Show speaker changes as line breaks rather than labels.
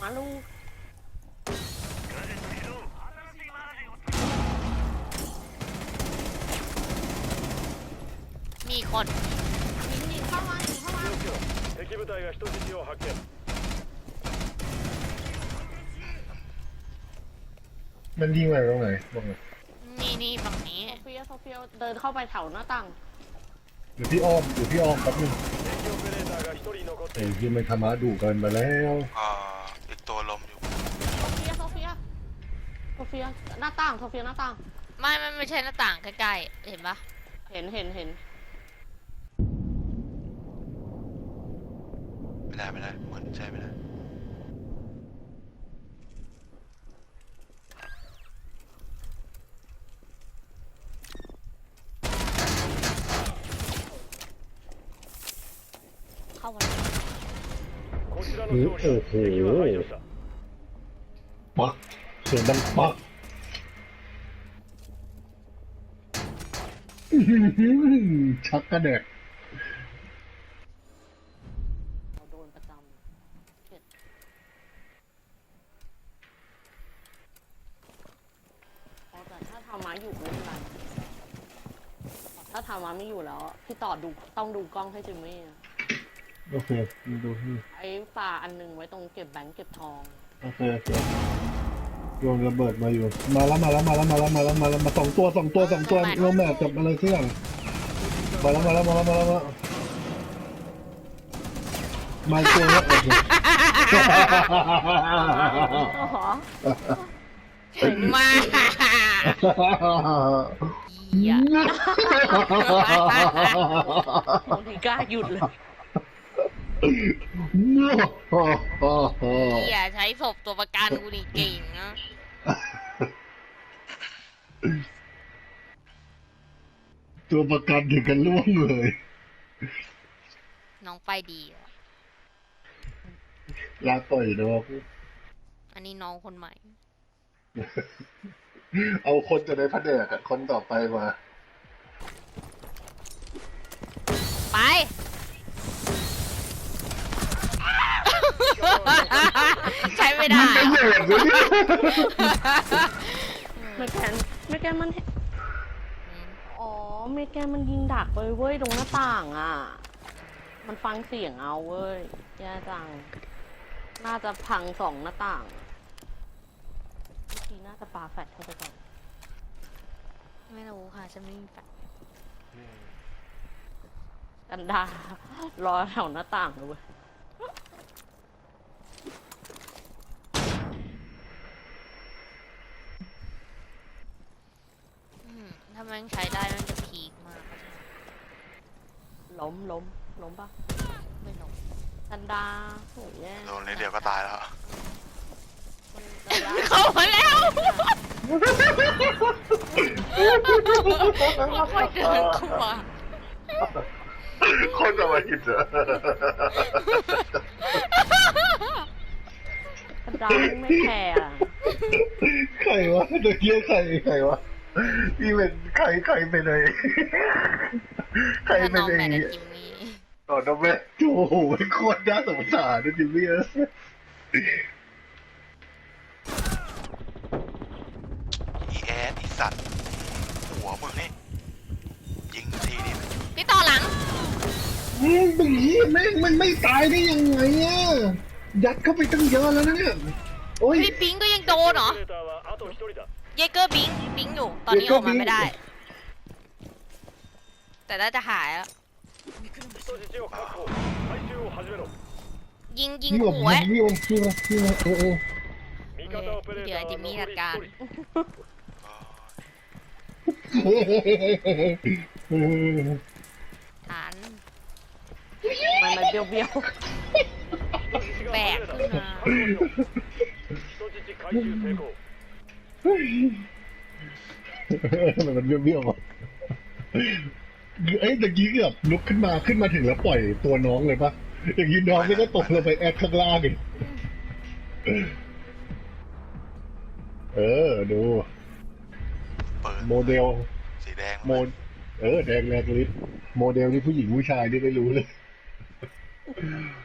มาลูก
มีคน
หนีเข้ามา
敵部隊が人質を発見
มันยิงไปตรงไหนบอกหน่อย
นี่ฝั่งนี้
โซเฟียเดินเข้าไปแถวหน้าต่าง
อยู่ที่อ้อมแป๊บนึง
敵オペレーターが1人残って
ไอ้
いる
ที่มันทำมาดุเกินไปแล้ว
อีกตัวลมอยู่
โซเฟียหน้าต่างโซเฟียหน้าต่าง
ไม่ใช่หน้าต่างใกล้ๆเห็นปะ
เห็น
ไม่ได้เหมือนใช่ไม่ได้
เข้ามาแล้ว
こちらの勝利だ敵は排除した
ปักเสียงดังปักชักกระเด็ก
เราโดนประจำเข็ดแต่ถ้าทำมาอยู่ไม่เป็นไรถ้าทำมาไม่อยู่แล้วพี่ต่อต้องดูกล้องให้จิมมี่
โอเคดูนี่
ไอ้ปลาอันนึงไว้ตรงเก็บแบงค์เก็บทอง
โอเคโยนระเบิดมาอยู่มาแล้วมาสองตัวลงแมปจับอะไรเสี่ยงมาแล้วมาอีกตัวแล้วโอเค
ถึงมาเหี้ย
บางทีกล้าหยุดเลย
เหี้ยใช้ศพตัวประกันกูนี่เก่งนะ
ตัวประกันถึงกันล่วงเลย
น้องไปดีอะ
ลาต่อยดอก
อันนี้น้องคนใหม่
เอาคนจะได้พระเดกคนต่อไปมา
ไป ใช้ไม่ได้
ไม่เหนื่อยเลยเนี่ย
เมแกนมันอ๋อเมแกนมันยิงดักไปเว้ยตรงหน้าต่างอ่ะมันฟังเสียงเอาเว้ยแย่จังน่าจะพัง2หน้าต่างเมื่อกี้น่าจะปาแฟลชเข้าไปก่อน
ไม่รู้ค่ะจะไม่มีแฟลช
กันดารอแถวหน้าต่างเลยเว้ย
ถ้ามันใช้ได้มันจะพีคมาก
ล้มปะ
ไม่ลง
กันดาโหแย่
โดนนิดเดียวก็ตายแล้ว
เข้ามาแล้วค่อยเดินเข้ามา
คนจะมาหิดเหรอ
กันดาไม่แคร์อะ
ใครวะเดี๋ยวเกี้ยใครวะพี่เป็นใครไปเลยใคร
ถ้า
ไป
น้อง
เล
แม
ย
นจิมมี่
ต่อน้องแม่โอ้โหโคตรน่าสงสารนะจิมมี่
อีแอดอีสัตว์หัวมึงนี่ยิงทีนี่
พี่ต่อหลัง
มึงนี้มันไม่ตายได้ยังไงอ่ะยัดเข้าไปตั้งเยอะแล้วนะเนี่ยโอ้ย
พี่ปิงก็ยังโดนเหรอ
オペレーターはあと1人だ
เยเกอร์บิงอยู่ ตอนนี้ออกมาไม่ได้ แต่น่าจะหายแล้ว
人質を確保回収を始めろ
ยิง
พี่
ขู่ไว้
พี่โอ้
味方オペレーターは残り1人
ฐาน
มันเบี้ยว
แบกขึ้นมา
人質回収成功
มันเบี้ยวๆอ่ะเอ้ยตะกี้เกือบลุกขึ้นมาถึงแล้วปล่อยตัวน้องเลยปะอย่างนี้น้องนี่ก็ตกลงไปแอดข้างล่างอีกดู
เปิด
โมเดล
สีแดง
แดงแรกลิสโมเดลนี่ผู้หญิงผู้ชายนี่ไม่รู้เลย
ๆ